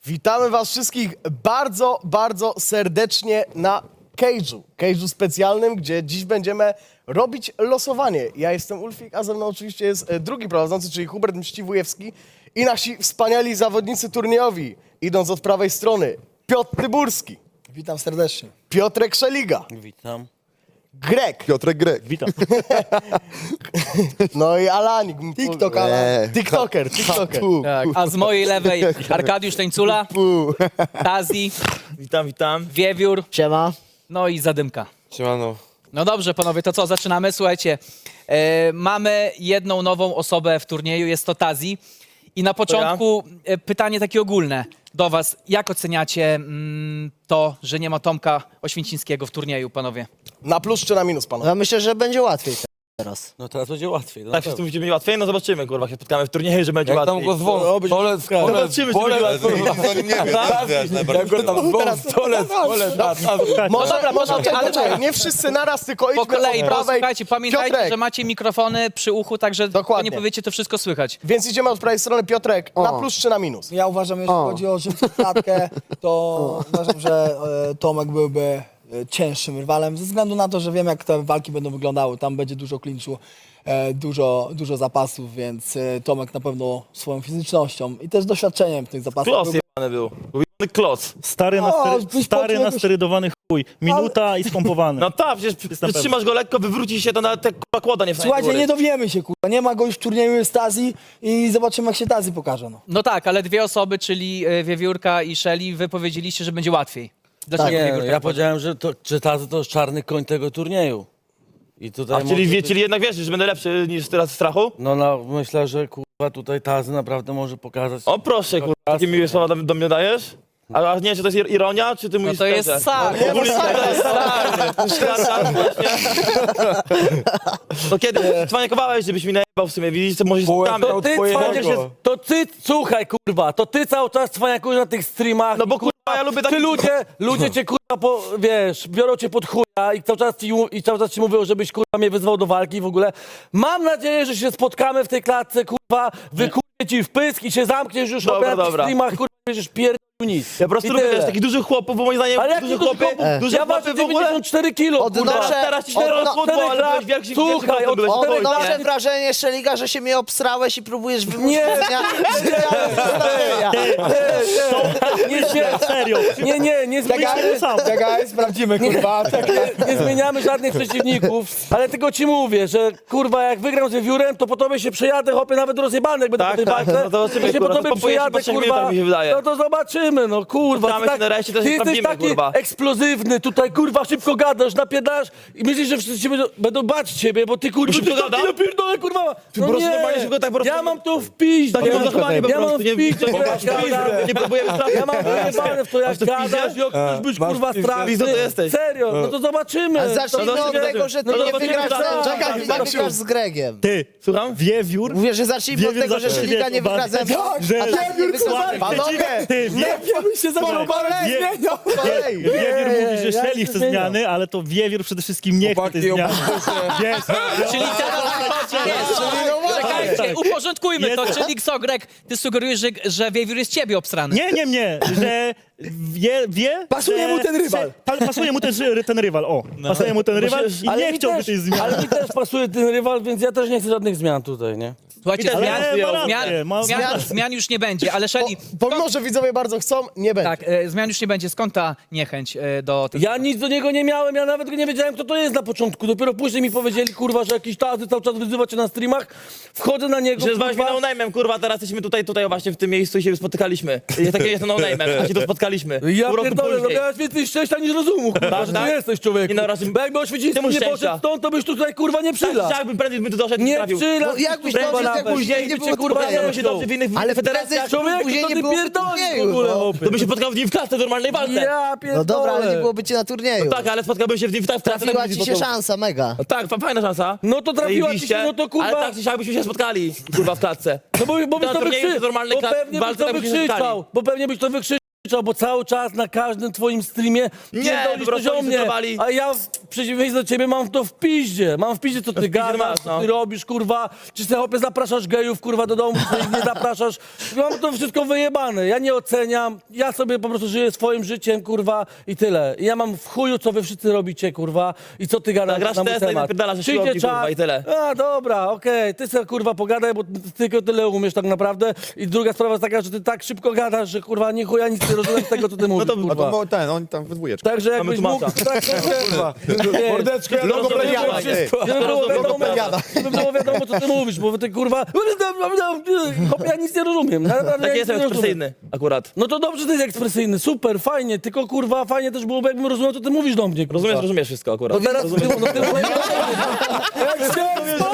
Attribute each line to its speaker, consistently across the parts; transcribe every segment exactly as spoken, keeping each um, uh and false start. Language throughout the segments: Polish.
Speaker 1: Witamy was wszystkich bardzo, bardzo serdecznie na Cage'u. Cage'u specjalnym, gdzie dziś będziemy robić losowanie. Ja jestem Ulfik, a ze mną oczywiście jest e, drugi prowadzący, czyli Hubert Mściwujewski i nasi wspaniali zawodnicy turniejowi. Idąc od prawej strony, Piotr Tyburski,
Speaker 2: Witam serdecznie.
Speaker 1: Piotrek Szeliga,
Speaker 3: Witam.
Speaker 1: Greg,
Speaker 4: Piotrek Grek.
Speaker 3: Witam.
Speaker 1: no i Alanik.
Speaker 2: TikTok, Alan.
Speaker 4: Eee,
Speaker 1: TikToker, TikToker.
Speaker 5: Tak, a z mojej lewej Arkadiusz Tańcula, Tazi,
Speaker 3: Witam, witam.
Speaker 5: Wiewiór,
Speaker 2: Siema.
Speaker 5: no i Zadymka.
Speaker 4: Siemano.
Speaker 5: No dobrze, panowie, to co, zaczynamy? Słuchajcie, e, mamy jedną nową osobę w turnieju, jest to Tazi. I na początku e, pytanie takie ogólne do was. Jak oceniacie mm, to, że nie ma Tomka Oświęcińskiego w turnieju, panowie?
Speaker 1: Na plus czy na minus, panowie?
Speaker 2: Ja myślę, że będzie łatwiej teraz.
Speaker 3: No teraz będzie łatwiej. No
Speaker 6: Tak, wszystkim będzie mi łatwiej? No zobaczymy, kurwa, jak się spotkamy w turnieju, że będzie
Speaker 4: Jak tam
Speaker 6: łatwiej.
Speaker 4: go zwą, stolec,
Speaker 6: Zobaczymy, czy będzie łatwiej.
Speaker 4: zanim nie wiem, wiesz, najbardziej.
Speaker 6: Jak go tam zwą, stolec, stolec.
Speaker 1: Może,
Speaker 5: dobra,
Speaker 1: może,
Speaker 5: może-
Speaker 1: ale
Speaker 5: ale-
Speaker 1: czekaj, nie wszyscy naraz, tylko
Speaker 5: Po
Speaker 1: idźmy
Speaker 5: kolei,
Speaker 1: od
Speaker 5: bo
Speaker 1: prawej.
Speaker 5: słuchajcie, pamiętajcie,
Speaker 1: Piotrek,
Speaker 5: że macie mikrofony przy uchu, także
Speaker 1: Dokładnie.
Speaker 5: nie powiecie, to wszystko słychać.
Speaker 1: więc idziemy od prawej strony. Piotrek, na plus czy na minus?
Speaker 2: Ja uważam, jeśli chodzi o szybką klatkę, to uważam, że e, Tomek byłby e, cięższym rywalem, ze względu na to, że wiem, jak te walki będą wyglądały. Tam będzie dużo klinczu, e, dużo, dużo zapasów, więc e, Tomek na pewno swoją fizycznością i też doświadczeniem tych zapasów.
Speaker 6: Kloc
Speaker 2: byłby-
Speaker 6: jebany był. Był jebany kloc.
Speaker 3: Stary,
Speaker 2: O,
Speaker 3: nastery,
Speaker 2: byś
Speaker 3: stary
Speaker 2: poczuł jakoś-
Speaker 3: nasterydowany chuj. Minuta i skompowany.
Speaker 6: No tak, przecież
Speaker 3: Jestem pewny.
Speaker 6: trzymasz go lekko, wywróci się, to nawet te kurwa kłoda nie wstanie do
Speaker 2: Słuchajcie,
Speaker 6: góry.
Speaker 2: nie dowiemy się, kurwa. Nie ma go już w turnieju, jest Tazi i zobaczymy, jak się Tazi pokaże. No.
Speaker 5: No tak, ale dwie osoby, czyli e, Wiewiórka i Szeli, wy powiedzieliście, że będzie łatwiej. Dlaczego
Speaker 7: Nie, no,
Speaker 5: Wiewiórka?
Speaker 7: ja powiedziałem, że, to, że Tazy to jest czarny koń tego turnieju. I tutaj
Speaker 6: A,
Speaker 7: może
Speaker 6: czyli, wie,
Speaker 7: być-
Speaker 6: czyli jednak wiesz, że będę lepszy niż teraz w strachu?
Speaker 7: No, no myślę, że kurwa tutaj Tazy naprawdę może pokazać.
Speaker 6: O proszę, kurwa, takie miłe słowa do, do mnie dajesz? A, a nie, czy to jest ir- ironia, czy ty
Speaker 5: No
Speaker 6: mówisz
Speaker 5: to jest
Speaker 6: szczerze?
Speaker 5: sak.
Speaker 6: No, mówisz szczerze, stary. To kiedy cwaniakowałeś, żebyś mi najebał w sumie, widzisz, co może się spotkamy.
Speaker 7: To ty, cwaniak się, to ty, słuchaj kurwa, to ty cały czas cwaniakujesz na tych streamach.
Speaker 6: No bo
Speaker 7: i,
Speaker 6: kurwa, ja lubię
Speaker 7: Ty
Speaker 6: taki...
Speaker 7: ludzie, ludzie cię kurwa, po, wiesz, biorą cię pod chuja i cały, czas ci, i cały czas ci mówią, żebyś kurwa mnie wyzwał do walki w ogóle. Mam nadzieję, że się spotkamy w tej klatce, kurwa, wykurwię ci w pysk i się zamkniesz już
Speaker 6: Dobra,
Speaker 7: na tych
Speaker 6: dobra.
Speaker 7: streamach, kurwa, będziesz pierdolił nic.
Speaker 6: Ja po prostu
Speaker 7: I
Speaker 6: lubię
Speaker 7: tyle.
Speaker 6: też takich dużych chłopów, bo moim zdaniem
Speaker 7: Ale jak
Speaker 6: duże
Speaker 7: duży
Speaker 6: chłopy,
Speaker 7: chłopy?
Speaker 6: duże
Speaker 7: Ja
Speaker 6: chłopy
Speaker 7: ważę
Speaker 6: w ogóle...
Speaker 7: dziewięćdziesiąt cztery kilo, kurwa.
Speaker 6: Teraz, teraz ci się rozchudło, ale byłeś wielki,
Speaker 7: Słuchaj,
Speaker 6: wielki byłeś
Speaker 7: od czterech
Speaker 6: spokojnie.
Speaker 7: lat-
Speaker 8: wrażenie, Szeliga, że się mnie obsrałeś i próbujesz wymusić
Speaker 7: Nie.
Speaker 8: mnie.
Speaker 7: Nie, nie,
Speaker 3: Serio.
Speaker 7: nie, nie, nie zmieniamy,
Speaker 3: sam.
Speaker 2: Czekaj, sprawdzimy, kurwa.
Speaker 7: nie zmieniamy żadnych przeciwników, ale tylko ci mówię, że kurwa jak wygram z Wiewiórem, to po tobie się przejadę, chłopie, nawet rozjebany, jak będę
Speaker 6: Tak,
Speaker 7: po tej
Speaker 6: tak,
Speaker 7: walce,
Speaker 6: no to zobaczymy,
Speaker 7: to się
Speaker 6: kurwa,
Speaker 7: po
Speaker 6: to
Speaker 7: tobie
Speaker 6: popujesz się
Speaker 7: przejadę,
Speaker 6: po trzech
Speaker 7: kurwa,
Speaker 6: minutach, mi się wydaje.
Speaker 7: no to zobaczymy, no kurwa.
Speaker 6: Spotkamy
Speaker 7: Ty
Speaker 6: się nareszcie, to się
Speaker 7: ty jesteś
Speaker 6: sprawdzimy,
Speaker 7: taki
Speaker 6: kurwa.
Speaker 7: eksplozywny, tutaj kurwa szybko gadasz, napierdasz i myślisz, że wszyscy cię będą, będą bać ciebie, bo ty kurwa,
Speaker 6: Szybko
Speaker 7: ty
Speaker 6: gada?
Speaker 7: taki napierdolę, kurwa,
Speaker 6: po
Speaker 7: no
Speaker 6: prostu
Speaker 7: nie,
Speaker 6: normalnie szybko tak po prostu-
Speaker 7: ja mam to w piździe,
Speaker 6: Takie mam zachowanie po
Speaker 7: ja mam
Speaker 6: prostu, nie
Speaker 7: w piździe,
Speaker 6: nie-
Speaker 7: jak gadam.
Speaker 6: nie próbujemy strachu.
Speaker 7: Ja mam wyjebane w to, jak
Speaker 6: Masz to w piździe?
Speaker 7: gadasz, jak chcesz być kurwa straszny.
Speaker 6: Pizdo to jesteś.
Speaker 7: Serio, no to zobaczymy.
Speaker 8: A zacznijmy
Speaker 6: No
Speaker 8: od
Speaker 6: to-
Speaker 8: tego, że ty
Speaker 7: no to
Speaker 8: nie
Speaker 7: zobaczymy,
Speaker 8: wygrasz
Speaker 7: tak,
Speaker 8: ze...
Speaker 7: tak,
Speaker 8: Czekaj,
Speaker 7: tak,
Speaker 8: nie wygrasz z Gregiem.
Speaker 3: Ty,
Speaker 6: Słucham?
Speaker 3: Wiewiór.
Speaker 8: Mówię, że zacznijmy od
Speaker 3: Wiewiór
Speaker 8: tego, że
Speaker 3: zaczął
Speaker 8: Szeliga
Speaker 3: się
Speaker 8: nie wygra ze mną,
Speaker 3: że-
Speaker 8: a tak nie wygra ze mną.
Speaker 1: Panowie,
Speaker 3: Ty, wie,
Speaker 2: Ja bym się zaczął
Speaker 3: Wie-
Speaker 2: zmieniał.
Speaker 1: kolei.
Speaker 3: Wiewiór mówi, że
Speaker 7: ja
Speaker 3: Szeli
Speaker 7: się
Speaker 3: chce
Speaker 7: zmieniam.
Speaker 3: zmiany, ale to Wiewiór przede wszystkim nie chce tej zmiany. Wiesz,
Speaker 5: Czyli teraz... Nie, czekajcie, uporządkujmy to,
Speaker 3: Jest-
Speaker 5: czyli co, Greg, ty sugerujesz, że, że Wiewiór jest ciebie obstrany.
Speaker 3: nie, nie, nie, że wie, wie
Speaker 2: Pasuje
Speaker 3: że,
Speaker 2: mu ten rywal.
Speaker 3: że- pa- pasuje mu ten, ten rywal, o. Pasuje mu ten rywal i
Speaker 7: Ale
Speaker 3: nie
Speaker 7: mi
Speaker 3: chciałby
Speaker 7: też-
Speaker 3: tej zmiany.
Speaker 7: Ale mi też pasuje ten rywal, więc ja też nie chcę żadnych zmian tutaj, nie?
Speaker 5: Słuchajcie,
Speaker 6: Ale
Speaker 5: zmian,
Speaker 3: ma rację,
Speaker 5: zmian,
Speaker 3: ma-
Speaker 5: zmian, zmian już nie będzie, ale Szeli,
Speaker 1: Pomimo, że widzowie bardzo chcą, nie będzie.
Speaker 5: tak, e, zmian już nie będzie. Skąd ta niechęć e, do tego?
Speaker 7: Ja nic do niego nie miałem, ja nawet go nie wiedziałem, kto to jest na początku. Dopiero później mi powiedzieli, kurwa, że jakiś Tazy cały czas wyzywa cię na streamach. Wchodzę na niego,
Speaker 6: Że zwałeś mnie
Speaker 7: kurwa.
Speaker 6: no-name'em, kurwa, teraz jesteśmy tutaj, tutaj właśnie w tym miejscu i się spotykaliśmy. I takie jest no-name'em, a się tu spotkaliśmy.
Speaker 7: Ja
Speaker 6: Pół roku
Speaker 7: pierdolę, no
Speaker 6: później.
Speaker 7: miałeś więcej szczęścia niż rozumu, kurwa,
Speaker 6: Tak,
Speaker 7: że
Speaker 6: tak.
Speaker 7: ty jesteś człowieku.
Speaker 6: Nie, no, raz-
Speaker 7: Bo jakby Oświęcimski
Speaker 6: Czemu
Speaker 7: nie
Speaker 6: szczęścia?
Speaker 7: poszedł stąd, to byś tutaj, kurwa, nie przylazł.
Speaker 6: Tak, jakbym prędzej by tu doszedł,
Speaker 7: Nie
Speaker 6: trafił.
Speaker 7: przylazł.
Speaker 8: No jakbyś
Speaker 7: kurwa,
Speaker 8: dobrze
Speaker 7: nawet.
Speaker 8: tego później nie
Speaker 7: Cię,
Speaker 8: było
Speaker 7: kurwa,
Speaker 8: turnieju.
Speaker 6: Spotkałem się dobrze w innych
Speaker 8: Ale
Speaker 6: federacjach.
Speaker 8: prędzej
Speaker 7: Człowieku,
Speaker 8: później
Speaker 7: to
Speaker 8: nie
Speaker 7: ty
Speaker 8: było
Speaker 7: pierdolisz w
Speaker 8: turnieju,
Speaker 7: ogóle,
Speaker 8: no.
Speaker 7: chłopie.
Speaker 6: To by się spotkał z nim w klatce w normalnej walce.
Speaker 7: Ja pierdolę.
Speaker 8: No dobra, ale nie byłoby cię na turnieju.
Speaker 6: Tak, ale spotkałbym się w nim w klatce.
Speaker 8: Trafiła ci się szansa, mega.
Speaker 6: No tak, fa- fajna szansa.
Speaker 7: No to trafiła ci się,
Speaker 6: Zajebiście.
Speaker 7: no to kurwa.
Speaker 6: Ale tak, czy siak byśmy się spotkali, kurwa, w klatce.
Speaker 7: No bo, bo byś
Speaker 6: Na
Speaker 7: to
Speaker 6: turnieju
Speaker 7: wykrzyczał,
Speaker 6: to normalny
Speaker 7: bo
Speaker 6: klat-
Speaker 7: pewnie byś
Speaker 6: walce
Speaker 7: to
Speaker 6: tak byśmy się
Speaker 7: wykrzyczał,
Speaker 6: spotkali.
Speaker 7: bo pewnie byś to wykrzyczał. krzyczał, bo cały czas na każdym twoim streamie
Speaker 6: Nie,
Speaker 7: pierdolisz
Speaker 6: po prostu
Speaker 7: coś o
Speaker 6: oni
Speaker 7: mnie.
Speaker 6: zdecydowali.
Speaker 7: A ja w przeciwieństwie do ciebie mam to w piździe. Mam w piździe, co ty gadasz,
Speaker 6: masz,
Speaker 7: co
Speaker 6: no.
Speaker 7: ty robisz, kurwa. Czy ty chłopie zapraszasz gejów, kurwa, do domu, czy ich nie zapraszasz. Mam to wszystko wyjebane. Ja nie oceniam. Ja sobie po prostu żyję swoim życiem, kurwa, i tyle. I ja mam w chuju, co wy wszyscy robicie, kurwa, i co ty gadasz
Speaker 6: Tak, grasz
Speaker 7: na mój
Speaker 6: Tesla i
Speaker 7: temat.
Speaker 6: napierdalasz ze
Speaker 7: Przyjdzie
Speaker 6: siłowni,
Speaker 7: czas,
Speaker 6: kurwa, i tyle.
Speaker 7: A, dobra, okej, ty sobie, kurwa, pogadaj, bo ty tylko tyle umiesz tak naprawdę. I druga sprawa jest taka, że ty tak szybko gadasz, że, kurwa, nie chuja nic nie rozumiem z tego, co ty mówisz,
Speaker 6: to-
Speaker 7: kurwa.
Speaker 4: A to mo- ten, oni tam we dwójeczkę.
Speaker 7: Także
Speaker 6: Mamy
Speaker 7: jakbyś mógł...
Speaker 6: tłumacza.
Speaker 7: Tak, kurwa.
Speaker 4: Mordeczko, ja
Speaker 6: Logo
Speaker 4: logo
Speaker 6: Plejada,
Speaker 4: wszystko.
Speaker 7: Żeby było wiadomo,
Speaker 4: Logopedia.
Speaker 7: żeby było wiadomo, co ty mówisz, bo ty, kurwa... Chłopie, ja nic nie rozumiem. Naprawdę
Speaker 6: Tak
Speaker 7: ja
Speaker 6: jest
Speaker 7: nic nie rozumiem.
Speaker 6: ekspresyjny akurat.
Speaker 7: No to dobrze, że ty jest ekspresyjny, super, fajnie, tylko, kurwa, fajnie też byłoby, jakbym rozumiał, co ty mówisz do mnie, kurwa.
Speaker 6: Rozumiesz, rozumiesz wszystko akurat.
Speaker 7: No teraz ty, no ty, jak się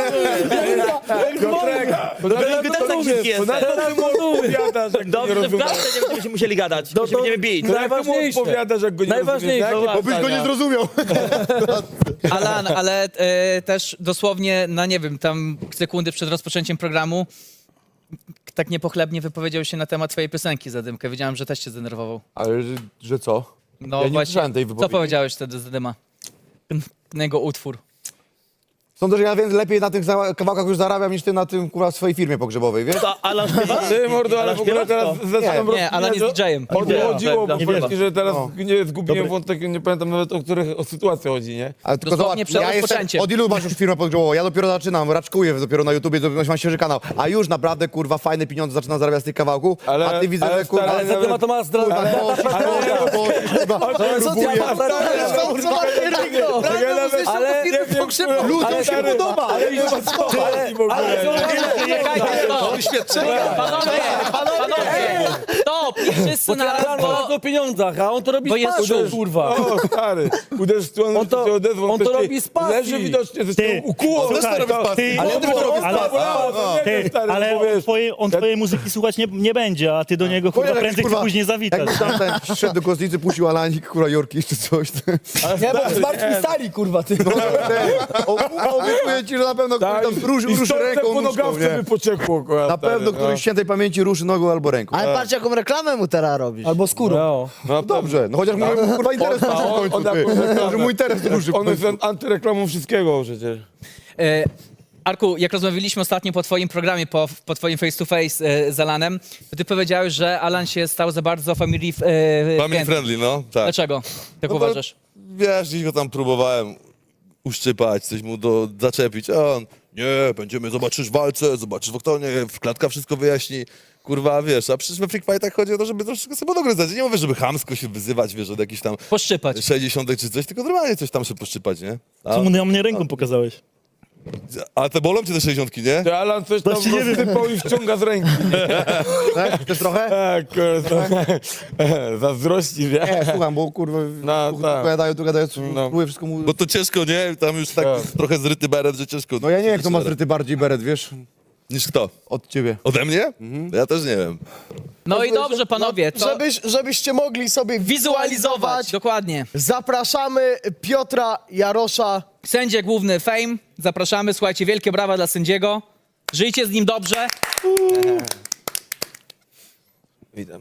Speaker 6: Ty też tak szybki jesteś. Dobrze, że w klatce nie będziemy się musieli gadać,
Speaker 7: No
Speaker 6: bo się
Speaker 7: to-
Speaker 6: będziemy bić.
Speaker 7: Najważniejsze.
Speaker 4: Opowiadasz, jak go nie
Speaker 7: Najważniejsze.
Speaker 4: rozumiesz, jak? Bo byś go nie zrozumiał.
Speaker 5: Alan, ale e, też dosłownie na, nie wiem, tam sekundy przed rozpoczęciem programu tak niepochlebnie wypowiedział się na temat twojej piosenki Zadymkę. Wiedziałem, że też cię zdenerwował.
Speaker 4: Ale że, że co?
Speaker 5: No
Speaker 4: Ja nie
Speaker 5: właśnie,
Speaker 4: słyszałem tej
Speaker 5: co
Speaker 4: wypowiedzi.
Speaker 5: powiedziałeś wtedy Zadyma? Ten jego utwór.
Speaker 4: Sądzę, że ja więc lepiej na tych za- kawałkach już zarabiam niż ty na tym, kurwa, w swojej firmie pogrzebowej, wiesz?
Speaker 6: To Alan śpiewa?
Speaker 9: Ty, mordo, ale
Speaker 6: Alan
Speaker 9: w ogóle
Speaker 6: śpiewa,
Speaker 9: teraz
Speaker 6: to?
Speaker 9: zaczynam
Speaker 5: Nie, Alan jest didżejem.
Speaker 9: O to chodziło, bo
Speaker 6: Nie
Speaker 9: faktycznie,
Speaker 3: wierzę.
Speaker 9: że teraz
Speaker 4: No.
Speaker 9: nie zgubiłem
Speaker 3: Dobry.
Speaker 9: wątek, nie pamiętam nawet o których o sytuację chodzi, nie?
Speaker 4: Ale tylko
Speaker 5: Dosłownie
Speaker 4: zobacz,
Speaker 5: przed
Speaker 4: ja jestem,
Speaker 5: rozpoczęciem.
Speaker 4: od ilu masz już firmę pogrzebową? Ja dopiero zaczynam, raczkuję dopiero na YouTubie, dopiero mam świeży kanał, a już naprawdę, kurwa, fajne pieniądze zaczynam zarabiać z tych kawałków,
Speaker 9: Ale-
Speaker 4: a ty widzę,
Speaker 9: ale
Speaker 4: że, kurwa,
Speaker 9: stary,
Speaker 7: Ale za temat to ma zdra...
Speaker 4: kurwa,
Speaker 7: Ale-
Speaker 4: bo- bo- kurwa, próbuję.
Speaker 7: Ale...
Speaker 4: Ludziom się podoba!
Speaker 5: Panowie, panowie, stop! Nie wszyscy na raz,
Speaker 7: Alan
Speaker 5: bo...
Speaker 7: mówi o pieniądzach, a on to robi
Speaker 5: Bo
Speaker 7: z
Speaker 5: jest
Speaker 7: pasją,
Speaker 5: szum.
Speaker 7: kurwa.
Speaker 9: O, stary, uderz w stronę,
Speaker 7: On to-
Speaker 9: się odezwał.
Speaker 7: on to
Speaker 9: ktoś
Speaker 7: robi z pasji.
Speaker 9: Leży widocznie, że
Speaker 3: Ty,
Speaker 9: się ukuło.
Speaker 3: słuchaj, ty-
Speaker 9: ale
Speaker 3: ale-
Speaker 9: ale,
Speaker 3: Ty, ale on twojej, on twojej muzyki słuchać nie, nie będzie, a ty do niego chyba
Speaker 4: Kurwa,
Speaker 3: prędzej czy
Speaker 4: kurwa,
Speaker 3: później zawitasz.
Speaker 4: Jakby tam ten szedł do kostnicy, puścił Alanik, kurwa, Jorki czy coś.
Speaker 2: Nie, bo zmartwychwstali, kurwa, ty.
Speaker 4: No, ten, o- obiecuję ci, że na pewno
Speaker 9: Tak,
Speaker 4: tam ruszy,
Speaker 9: i
Speaker 4: ruszy
Speaker 9: stąd
Speaker 4: ręką,
Speaker 9: po
Speaker 4: nóżką,
Speaker 9: nogawce
Speaker 4: nie?
Speaker 9: by pociekło, kurwa,
Speaker 4: Na
Speaker 9: stary,
Speaker 4: pewno
Speaker 9: no.
Speaker 4: któryś świętej pamięci ruszy nogą albo ręką.
Speaker 8: Ale patrz, jaką reklamę mu teraz robisz.
Speaker 2: Albo skórą.
Speaker 7: No.
Speaker 9: No
Speaker 4: Dobrze, no chociaż mój kurwa interes
Speaker 9: On-
Speaker 4: ruszy w
Speaker 9: on-
Speaker 4: końcu,
Speaker 9: on
Speaker 4: ty.
Speaker 9: jakąś reklamę.
Speaker 4: Że mój interes ruszy w
Speaker 9: On jest
Speaker 4: końcu.
Speaker 9: antyreklamą wszystkiego przecież.
Speaker 5: E, Arku, jak rozmawialiśmy ostatnio po twoim programie, po, po twoim face to face e, z Alanem, to ty powiedziałeś, że Alan się stał za bardzo family, e,
Speaker 10: Family
Speaker 5: friendly.
Speaker 10: friendly, no, tak.
Speaker 5: Dlaczego? Tak
Speaker 10: No to,
Speaker 5: uważasz?
Speaker 10: Wiesz, gdzieś go tam próbowałem uszczypać, coś mu do, zaczepić, a on, nie, będziemy, zobaczysz w walce, zobaczysz w oktonie, w klatka wszystko wyjaśni. Kurwa, wiesz, a przecież we Freak Fightach chodzi o to, żeby troszeczkę sobie dogryzać. Nie mówię, żeby chamsko się wyzywać, wiesz, od jakichś tam
Speaker 5: Poszczypać.
Speaker 10: sześćdziesiątek czy coś, tylko normalnie coś tam się poszczypać, nie? A,
Speaker 3: Co mu na mnie ręką pokazałeś?
Speaker 10: a te bolą cię te sześćdziesiątki, nie?
Speaker 9: Ty Alan coś tam
Speaker 3: Właśnie nie wiem.
Speaker 9: rozsypał i wciąga z ręki.
Speaker 4: Tak? Chcesz trochę?
Speaker 9: Tak, kurwa. Zazdrości, wie?
Speaker 4: Nie, słucham, bo kurwa,
Speaker 9: No,
Speaker 4: tu
Speaker 9: tak.
Speaker 4: gadają, tu gadają,
Speaker 9: No.
Speaker 4: próbuję wszystko mu...
Speaker 10: Bo to ciężko, nie? Tam już tak
Speaker 9: Tak.
Speaker 10: trochę zryty beret, że ciężko.
Speaker 4: No ja nie wiem, kto ma zryty bardziej beret, wiesz,
Speaker 10: Niż kto?
Speaker 4: od ciebie.
Speaker 10: Ode mnie? Ja też nie wiem.
Speaker 5: No i dobrze, panowie, to
Speaker 1: Żebyś, żebyście mogli sobie
Speaker 5: wizualizować.
Speaker 1: wizualizować,
Speaker 5: Dokładnie.
Speaker 1: zapraszamy Piotra Jarosza.
Speaker 5: Sędzia główny Fame. Zapraszamy. Słuchajcie, wielkie brawa dla sędziego. Żyjcie z nim dobrze.
Speaker 9: Witam.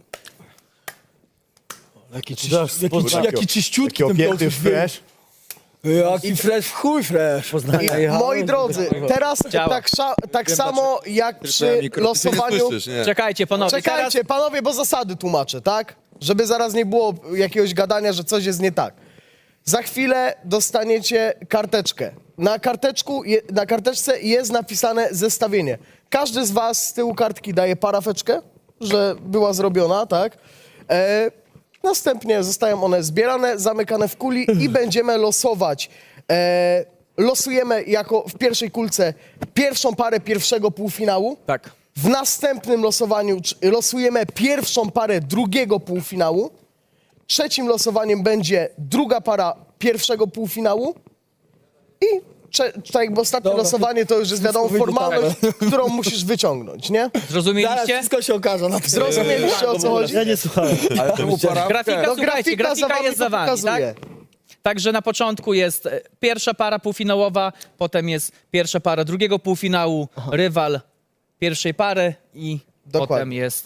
Speaker 2: Jaki, czyś, jaki, jaki czyściutki
Speaker 4: Taki
Speaker 2: ten
Speaker 4: opięty,
Speaker 2: Piotr był.
Speaker 4: wiesz?
Speaker 2: Jaki fresh, w chuj fresh.
Speaker 1: I, moi drodzy, teraz
Speaker 5: Działa.
Speaker 1: tak, sza, tak samo jak przy
Speaker 10: Ty nie
Speaker 1: losowaniu...
Speaker 10: słyszysz, nie?
Speaker 5: Czekajcie, panowie.
Speaker 1: Czekajcie, panowie, bo zasady tłumaczę, tak? Żeby zaraz nie było jakiegoś gadania, że coś jest nie tak. Za chwilę dostaniecie karteczkę. Na, karteczku, je, na karteczce jest napisane zestawienie. Każdy z was z tyłu kartki daje parafeczkę, że była zrobiona, tak? E, następnie zostają one zbierane, zamykane w kuli i będziemy losować. E, losujemy jako w pierwszej kulce pierwszą parę pierwszego półfinału.
Speaker 5: Tak.
Speaker 1: W następnym losowaniu cz- losujemy pierwszą parę drugiego półfinału. Trzecim losowaniem będzie druga para pierwszego półfinału. I cze- tak jakby ostatnie
Speaker 2: Dobra,
Speaker 1: losowanie to już jest wiadomo
Speaker 2: wyjdzie
Speaker 1: formalność, którą musisz wyciągnąć, nie?
Speaker 2: Zaraz
Speaker 5: Zrozumieliście?
Speaker 2: wszystko się okaże. Na
Speaker 1: Zrozumieliście, o co chodzi?
Speaker 3: Ja nie słuchałem.
Speaker 9: Ale czemu para?
Speaker 5: Grafika,
Speaker 1: No,
Speaker 5: słuchajcie, grafika
Speaker 1: wami
Speaker 5: jest
Speaker 1: to
Speaker 5: za wami, tak?
Speaker 1: pokazuje.
Speaker 5: Także na początku jest e, pierwsza para półfinałowa, potem jest pierwsza para drugiego półfinału, rywal pierwszej pary i
Speaker 1: Dokładnie.
Speaker 5: potem jest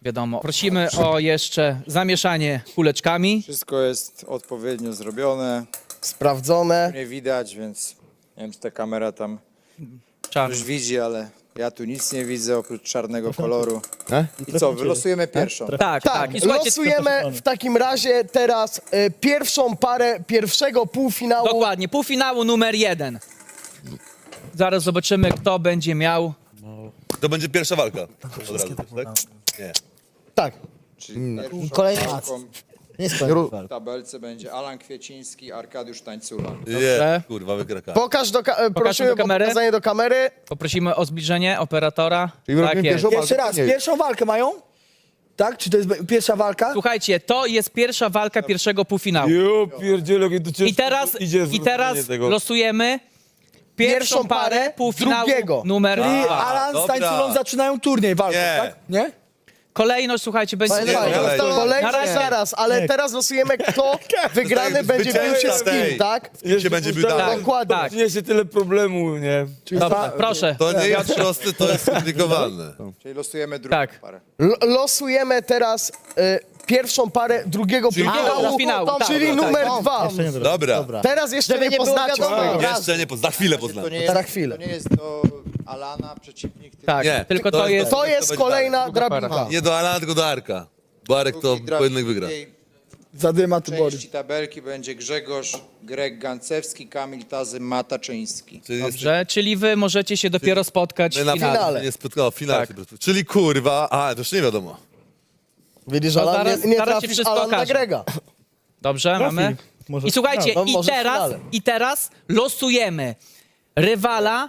Speaker 5: Wiadomo. Prosimy o jeszcze zamieszanie kuleczkami.
Speaker 11: Wszystko jest odpowiednio zrobione,
Speaker 1: Sprawdzone.
Speaker 11: nie widać, więc nie wiem, czy ta kamera tam
Speaker 5: Czarny.
Speaker 11: coś widzi, ale ja tu nic nie widzę oprócz czarnego koloru. I co, wylosujemy pierwszą.
Speaker 5: Tak, tak.
Speaker 1: Tak,
Speaker 5: I słuchajcie,
Speaker 1: losujemy w takim razie teraz e, pierwszą parę pierwszego półfinału.
Speaker 5: dokładnie, półfinału numer jeden. Zaraz zobaczymy, kto będzie miał.
Speaker 10: To będzie pierwsza walka. Od razu, tak? Nie.
Speaker 1: Tak.
Speaker 11: Czyli pierwszą
Speaker 8: Kolejny
Speaker 11: walką
Speaker 8: Nie skończył.
Speaker 11: w tabelce będzie Alan Kwieciński, Arkadiusz Tańcula.
Speaker 10: Nie, kurwa, wygra K.
Speaker 1: Pokaż do ka- e, prosimy
Speaker 5: do
Speaker 1: o
Speaker 5: kamery.
Speaker 1: pokazanie do kamery.
Speaker 5: Poprosimy o zbliżenie operatora.
Speaker 4: Czyli robimy
Speaker 5: Tak jest.
Speaker 4: pierwszą
Speaker 2: Jeszcze
Speaker 4: walkę,
Speaker 2: raz,
Speaker 4: nie.
Speaker 2: pierwszą walkę mają? Tak? Czy to jest be- pierwsza walka?
Speaker 5: Słuchajcie, to jest pierwsza walka pierwszego półfinału.
Speaker 9: Jo, pierdziele, jak to ciężko
Speaker 5: I teraz,
Speaker 9: idzie
Speaker 5: i teraz
Speaker 9: zrobienie tego.
Speaker 5: losujemy pierwszą
Speaker 1: Pierwszą parę
Speaker 5: parę półfinału
Speaker 1: drugiego.
Speaker 5: numer
Speaker 2: Czyli
Speaker 5: dwa.
Speaker 2: Alan z
Speaker 10: dobra.
Speaker 2: Tańculą zaczynają turniej walkę,
Speaker 10: Nie.
Speaker 2: tak? Nie?
Speaker 5: Kolejność, słuchajcie, będzie...
Speaker 1: Fajnie,
Speaker 10: nie,
Speaker 1: fajnie.
Speaker 10: nie.
Speaker 1: Kolejny
Speaker 5: Na razie.
Speaker 1: zaraz, ale teraz losujemy, kto wygrany będzie bił się z kim, tak?
Speaker 10: Kim się będzie bił dalej?
Speaker 1: Dokładnie.
Speaker 5: Tak,
Speaker 9: Przyniesie tyle problemu, nie?
Speaker 5: dobrze, proszę.
Speaker 10: To nie jest proste, to jest skomplikowane.
Speaker 11: Czyli losujemy drugą
Speaker 5: Tak.
Speaker 11: parę.
Speaker 1: L- losujemy teraz e, pierwszą parę drugiego
Speaker 10: Czyli-
Speaker 1: półfinału,
Speaker 5: półfinału, tak,
Speaker 1: czyli
Speaker 5: tak,
Speaker 1: numer
Speaker 8: tak.
Speaker 1: dwa.
Speaker 10: Dobra.
Speaker 8: Dobra.
Speaker 1: Teraz jeszcze
Speaker 8: Żeby
Speaker 1: nie
Speaker 8: nie było
Speaker 1: poznacie
Speaker 8: wiadomo.
Speaker 1: swojego.
Speaker 8: Dobra.
Speaker 10: Jeszcze nie, poz- za chwilę poznam.
Speaker 11: To nie jest,
Speaker 1: Za chwilę.
Speaker 11: To nie jest do Alana przeciwnik, tylko
Speaker 5: Tak,
Speaker 10: Nie,
Speaker 5: tylko
Speaker 10: to
Speaker 5: to
Speaker 10: jest-
Speaker 5: jest...
Speaker 1: To jest
Speaker 10: będzie
Speaker 1: kolejna
Speaker 5: Druga para.
Speaker 1: drabinka.
Speaker 10: Nie do Alana, tylko do Arka. Bo Arek to
Speaker 11: drugi drabik
Speaker 10: pojedynek wygra.
Speaker 11: drugiej
Speaker 2: Zadyma Tybory.
Speaker 11: części tabelki będzie Grzegorz, Greg Gancewski, Kamil Tazy, Mataczyński.
Speaker 10: Czyli jest-
Speaker 5: Dobrze, czyli wy możecie się dopiero spotkać
Speaker 10: my
Speaker 5: w
Speaker 10: na
Speaker 5: finale.
Speaker 1: finale.
Speaker 10: Nie spotkało, w finale.
Speaker 5: Tak.
Speaker 10: się- Czyli kurwa, a to już nie wiadomo.
Speaker 1: Widzisz,
Speaker 5: To
Speaker 1: Alan,
Speaker 5: zaraz-
Speaker 1: nie, nie
Speaker 5: zaraz się
Speaker 1: trafisz
Speaker 5: wszystko
Speaker 1: Alan na
Speaker 5: okaże.
Speaker 1: Grega.
Speaker 5: Dobrze, mamy?
Speaker 3: Może
Speaker 5: I słuchajcie,
Speaker 1: No,
Speaker 5: i
Speaker 1: może w
Speaker 5: teraz,
Speaker 1: finale.
Speaker 5: i teraz losujemy rywala,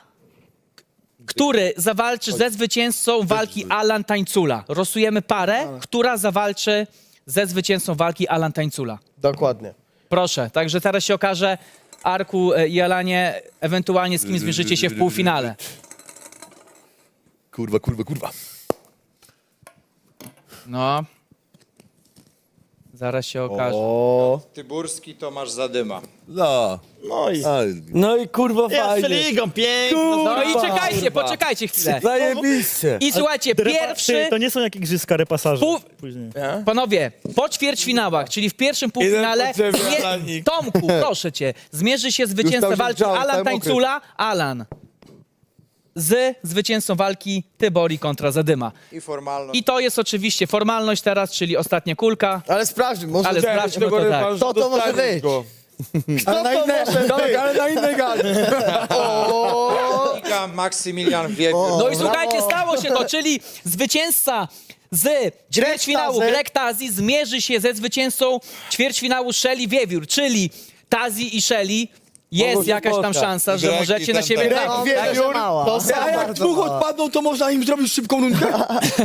Speaker 5: który zawalczy ze zwycięzcą walki Alan Tańcula. Losujemy parę, która zawalczy ze zwycięzcą walki Alan Tańcula.
Speaker 1: Dokładnie.
Speaker 5: Proszę, także teraz się okaże, Arku e, i Alanie, ewentualnie z kim zmierzycie się w półfinale.
Speaker 10: Kurwa, kurwa, kurwa.
Speaker 5: No. Zaraz się okaże.
Speaker 11: Tyburski, Tomasz Zadyma.
Speaker 10: No.
Speaker 6: No i...
Speaker 10: Aj,
Speaker 7: No i kurwa
Speaker 6: Jeszcze
Speaker 7: fajnie.
Speaker 6: ligą, pięknie.
Speaker 5: No i
Speaker 7: Kurwa,
Speaker 5: czekajcie,
Speaker 7: kurwa.
Speaker 5: poczekajcie chwilę.
Speaker 7: Zajebiście.
Speaker 5: I słuchajcie, pierwszy...
Speaker 3: To nie są jakieś igrzyska repasaże.
Speaker 5: Pół...
Speaker 3: Później.
Speaker 5: Panowie, po ćwierćfinałach, czyli w pierwszym półfinale,
Speaker 9: po ciebie,
Speaker 5: zmie-
Speaker 9: Alanik.
Speaker 5: Tomku, proszę cię, zmierzy się zwycięzca
Speaker 4: tam się
Speaker 5: walki
Speaker 4: grzałem,
Speaker 5: Alan
Speaker 4: cały mokry.
Speaker 5: Tańcula, Alan, z zwycięzcą walki Tybori kontra Zadyma.
Speaker 11: I formalność.
Speaker 5: I to jest oczywiście formalność teraz, czyli ostatnia kulka.
Speaker 1: Ale sprawdźmy, może...
Speaker 5: Ale sprawdźmy to tak.
Speaker 8: To to może być.
Speaker 2: Ale na innej, dobra, ale na innej gali.
Speaker 11: Liga Maksymilian Wiewiór.
Speaker 5: No i słuchajcie, stało się to, czyli zwycięzca z ćwierćfinału
Speaker 1: Tazy.
Speaker 5: Greg Tazi zmierzy się ze zwycięzcą ćwierćfinału Shelly Wiewiór, czyli Tazi i Shelly.
Speaker 7: Mogą
Speaker 5: Jest
Speaker 7: się
Speaker 5: jakaś tam
Speaker 7: spotkać.
Speaker 5: szansa, że
Speaker 10: Greg
Speaker 5: możecie
Speaker 10: i
Speaker 5: na
Speaker 10: ten,
Speaker 5: siebie
Speaker 10: ten.
Speaker 1: Greg
Speaker 5: trafić.
Speaker 8: Także
Speaker 1: Wiewiór,
Speaker 8: mała.
Speaker 1: to
Speaker 2: A
Speaker 1: samo.
Speaker 2: jak dwóch odpadną, to można im zrobić szybką nutkę?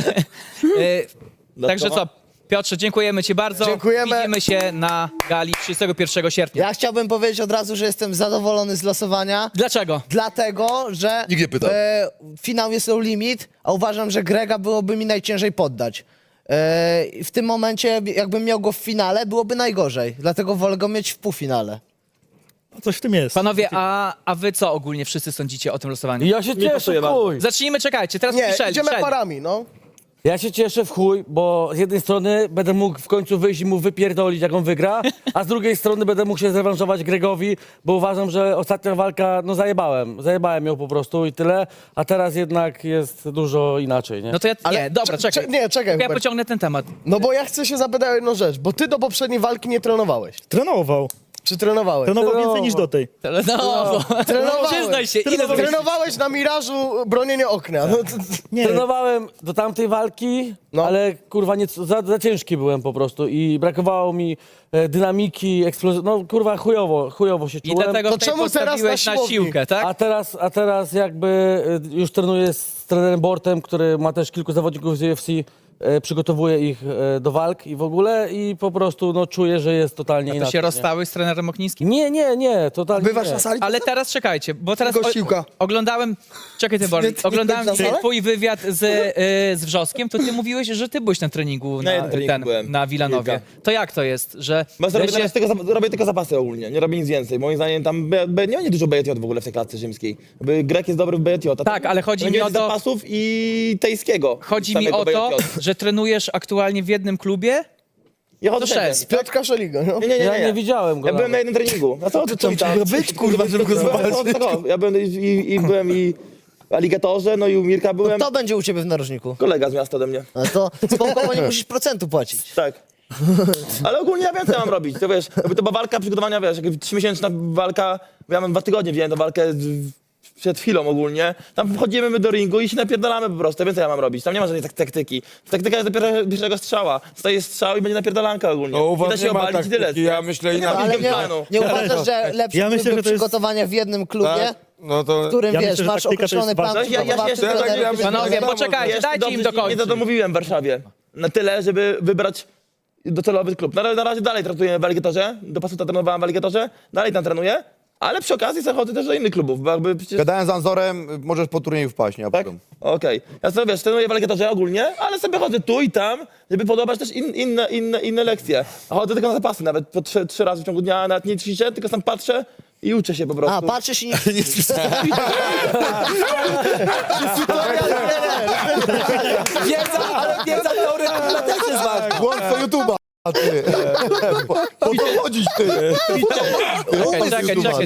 Speaker 5: E, Także co, Piotrze, dziękujemy ci bardzo.
Speaker 1: Dziękujemy.
Speaker 5: Widzimy się na gali trzydziestego pierwszego sierpnia.
Speaker 8: Ja chciałbym powiedzieć od razu, że jestem zadowolony z losowania.
Speaker 5: Dlaczego?
Speaker 8: Dlatego, że
Speaker 10: Nikt nie pytał.
Speaker 8: e, finał jest no limit, a uważam, że Grega byłoby mi najciężej poddać. E, i w tym momencie, jakbym miał go w finale, byłoby najgorzej. Dlatego wolę go mieć w półfinale.
Speaker 3: Coś w tym jest.
Speaker 5: Panowie, a, a wy co ogólnie wszyscy sądzicie o tym losowaniu?
Speaker 7: Ja się cieszę w chuj.
Speaker 5: Zacznijmy, czekajcie, teraz
Speaker 1: Nie,
Speaker 5: Michelle,
Speaker 1: idziemy
Speaker 5: Michelle.
Speaker 1: parami, no.
Speaker 7: Ja się cieszę w chuj, bo z jednej strony będę mógł w końcu wyjść i mu wypierdolić, jak on wygra, a z drugiej strony będę mógł się zrewanżować Gregowi, bo uważam, że ostatnia walka, no zajebałem. Zajebałem ją po prostu i tyle, a teraz jednak jest dużo inaczej, nie?
Speaker 5: No to ja,
Speaker 1: Ale
Speaker 5: nie, dobra,
Speaker 1: cze-
Speaker 5: czekaj.
Speaker 1: cze- nie, czekaj,
Speaker 5: Ja
Speaker 1: Hubert.
Speaker 5: pociągnę ten temat.
Speaker 1: No bo ja chcę się zapytać o jedną rzecz, bo ty do poprzedniej walki nie trenowałeś.
Speaker 3: Trenował.
Speaker 1: Czy trenowałeś?
Speaker 3: Trenował więcej niż do tej.
Speaker 5: No, bo,
Speaker 1: Trenowałeś.
Speaker 5: przyznaj się, ile zrobiłeś?
Speaker 1: Trenowałeś na mirażu bronienie okna. No, to,
Speaker 3: Nie,
Speaker 7: Trenowałem do tamtej walki,
Speaker 1: No.
Speaker 7: ale kurwa nie, za, za ciężki byłem po prostu i brakowało mi e, dynamiki, eksplozji. No kurwa chujowo, chujowo się
Speaker 5: I
Speaker 7: czułem.
Speaker 5: dlatego
Speaker 1: To
Speaker 5: w tej
Speaker 1: czemu teraz
Speaker 5: postawiłeś
Speaker 1: na
Speaker 5: na
Speaker 1: siłowni?
Speaker 5: siłkę, tak?
Speaker 7: A teraz, a teraz jakby e, już trenuję z trenerem Bortem, który ma też kilku zawodników z U F C, e, przygotowuje ich e, do walk i w ogóle i po prostu no, czuję, że jest totalnie
Speaker 5: To
Speaker 7: inaczej.
Speaker 5: się
Speaker 7: nie?
Speaker 5: rozstałeś z trenerem Oknińskim?
Speaker 7: Nie, nie, nie, totalnie
Speaker 2: Bywasz
Speaker 7: nie.
Speaker 2: na sali?
Speaker 5: Ale teraz czekajcie, bo teraz
Speaker 2: Tylko
Speaker 5: o,
Speaker 2: siłka.
Speaker 5: oglądałem, czekaj ty Borys,
Speaker 2: Nie- nie
Speaker 5: oglądałem
Speaker 2: byłeś na salę?
Speaker 5: twój wywiad z, y, z Wrzoskiem, to ty mówiłeś, że ty byłeś na treningu na,
Speaker 6: jednym treningu
Speaker 5: ten,
Speaker 6: byłem.
Speaker 5: na Wilanowie.
Speaker 6: Kilka.
Speaker 5: To jak to jest, że
Speaker 6: Bo robię,
Speaker 5: wreszcie-
Speaker 6: teraz tylko, za- robię tylko zapasy ogólnie, nie robię nic więcej. Moim zdaniem tam B, B, nie ma nie dużo B J J w ogóle w tej klatce rzymskiej. Jakby Grek jest dobry w B J J. a
Speaker 5: Tak, ale chodzi
Speaker 6: będzie
Speaker 5: mi o
Speaker 6: więcej
Speaker 5: to-
Speaker 6: zapasów i tejskiego.
Speaker 5: chodzi mi
Speaker 6: samego
Speaker 5: o to,
Speaker 6: B J J.
Speaker 5: że że trenujesz aktualnie w jednym klubie.
Speaker 6: Ja chodzę
Speaker 5: To
Speaker 6: wszędzie.
Speaker 5: sześć.
Speaker 1: Piotr Kaszeligo, no.
Speaker 6: Nie, nie, nie,
Speaker 7: Ja
Speaker 6: nie.
Speaker 7: nie widziałem go
Speaker 6: Ja byłem na
Speaker 7: nawet.
Speaker 6: jednym treningu. A co ty co tam?
Speaker 4: być, kurwa, żeby go zobaczyć.
Speaker 6: Ja byłem i, i, i byłem i w aligatorze, no i u Mirka byłem.
Speaker 8: Kto będzie u ciebie w narożniku?
Speaker 6: Kolega z miasta ode mnie.
Speaker 8: No to spoko, bo nie musisz procentu płacić.
Speaker 6: Tak. Ale ogólnie ja wiem, co ja mam robić. To wiesz, jakby to była walka przygotowania, wiesz, jak trzymiesięczna walka, bo ja mam dwa tygodnie wziąłem tę walkę z- przed chwilą ogólnie. Tam wchodzimy my do ringu i się napierdalamy po prostu. Ja wiem, co ja mam robić. Tam nie ma żadnej tak taktyki. Taktyka jest dopiero pierwszego strzała. Staje strzał i będzie napierdalanka ogólnie.
Speaker 9: No, u
Speaker 6: I
Speaker 9: was
Speaker 6: da się
Speaker 9: nie ma
Speaker 6: obalić i tyle.
Speaker 9: taktyki, ja myślę
Speaker 6: Nie ma
Speaker 9: inaczej.
Speaker 8: Ale
Speaker 6: game
Speaker 8: nie,
Speaker 6: planu.
Speaker 8: nie uważasz, że lepszy
Speaker 3: Ja myślę,
Speaker 8: byłby
Speaker 3: że to jest-
Speaker 8: przygotowania w jednym klubie,
Speaker 9: Tak? No to...
Speaker 8: w którym,
Speaker 3: Ja
Speaker 8: wiesz,
Speaker 3: myślę, że
Speaker 8: masz
Speaker 3: taktyka to jest
Speaker 8: określony plan
Speaker 3: ważne.
Speaker 6: Ja- ja- ja
Speaker 8: przygotowawczy,
Speaker 6: jeszcze-
Speaker 9: Ja tak,
Speaker 8: trenerów
Speaker 9: ja
Speaker 8: i
Speaker 9: myślę,
Speaker 5: Panowie,
Speaker 9: że-
Speaker 5: poczekajcie,
Speaker 6: Jeszcze
Speaker 5: dajcie
Speaker 6: dobrze,
Speaker 5: im
Speaker 6: że Nie
Speaker 5: dokończyć.
Speaker 6: zadomówiłem w Warszawie. Na tyle, żeby wybrać docelowy klub. Na, na razie dalej trenuję w Aligatorze. Do pasu trenowałem w Aligatorze. Dalej tam trenuję. Ale przy okazji zachodzę też do innych klubów, bo jakby przecież...
Speaker 4: Gadałem z Anzorem, możesz po turnieju wpaść, nie ma
Speaker 6: Tak?
Speaker 4: problemu.
Speaker 6: Okej. Ja sobie, wiesz, trenuję w Aligatorze ogólnie, ale sobie chodzę tu i tam, żeby podobać też in, inne, inne, inne lekcje. A chodzę tylko na zapasy, nawet po trzy, trzy razy w ciągu dnia, nawet nie ćwiczę, tylko sam patrzę i uczę się po prostu.
Speaker 8: A, patrzysz i nie...
Speaker 2: Wiedza, ale wiedza teoretyczna też jest ważna.
Speaker 4: Włącz to YouTube'a, a ty. Po co chodzić, ty?
Speaker 5: Czekaj, czekaj, czekaj,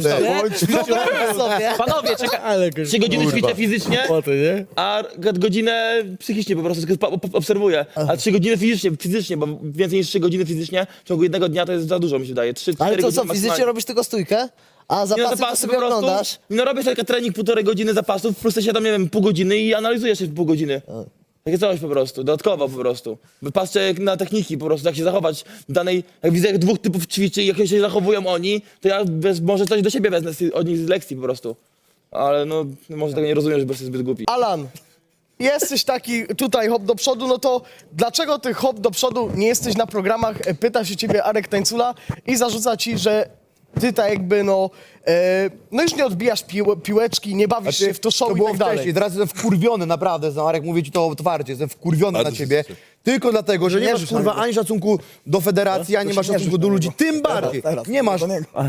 Speaker 5: stop.
Speaker 8: sobie.
Speaker 5: Panowie, czekaj.
Speaker 6: Trzy godziny ćwiczę fizycznie,
Speaker 3: nie?
Speaker 6: a godzinę psychicznie po prostu tylko po- po- obserwuję. A trzy godziny fizycznie, fizycznie, bo więcej niż trzy godziny fizycznie w ciągu jednego dnia to jest za dużo, mi się wydaje. Trzy,
Speaker 8: Ale
Speaker 6: cztery
Speaker 8: to
Speaker 6: godziny
Speaker 8: co, fizycznie
Speaker 6: maksymalnie.
Speaker 8: robisz tylko stójkę? A
Speaker 6: Nie,
Speaker 8: zapasy
Speaker 6: no
Speaker 8: to
Speaker 6: zapasy
Speaker 8: sobie
Speaker 6: po prostu,
Speaker 8: oglądasz?
Speaker 6: no robię sobie trening półtorej godziny zapasów, plus się tam, nie wiem, pół godziny i analizuję się w pół godziny. Takie coś po prostu, dodatkowo po prostu. Patrzę jak na techniki po prostu, jak się zachować w danej, jak widzę jak dwóch typów ćwiczy i jak się zachowują oni, to ja bez, może coś do siebie wezmę z, od nich z lekcji po prostu. Ale no, może tego nie rozumiem, że jestem zbyt głupi.
Speaker 1: Alan, jesteś taki tutaj hop do przodu, no to dlaczego ty hop do przodu nie jesteś na programach? E, Pyta się ciebie Arek Tańcula i zarzuca ci, że ty tak jakby no, e, no już nie odbijasz pił, piłeczki, nie bawisz się w to show
Speaker 4: to
Speaker 1: i
Speaker 4: było
Speaker 1: tak dalej.
Speaker 4: wcześniej, teraz jestem wkurwiony, naprawdę, Marek, mówię ci to otwarcie, jestem wkurwiony
Speaker 10: Bardzo
Speaker 4: na
Speaker 10: się
Speaker 4: ciebie.
Speaker 10: cieszę.
Speaker 4: Tylko dlatego, że nie
Speaker 8: Nie
Speaker 4: masz
Speaker 8: rzuć
Speaker 4: kurwa
Speaker 8: na niego.
Speaker 4: ani szacunku do federacji, ani masz szacunku do ludzi, tym bardziej nie masz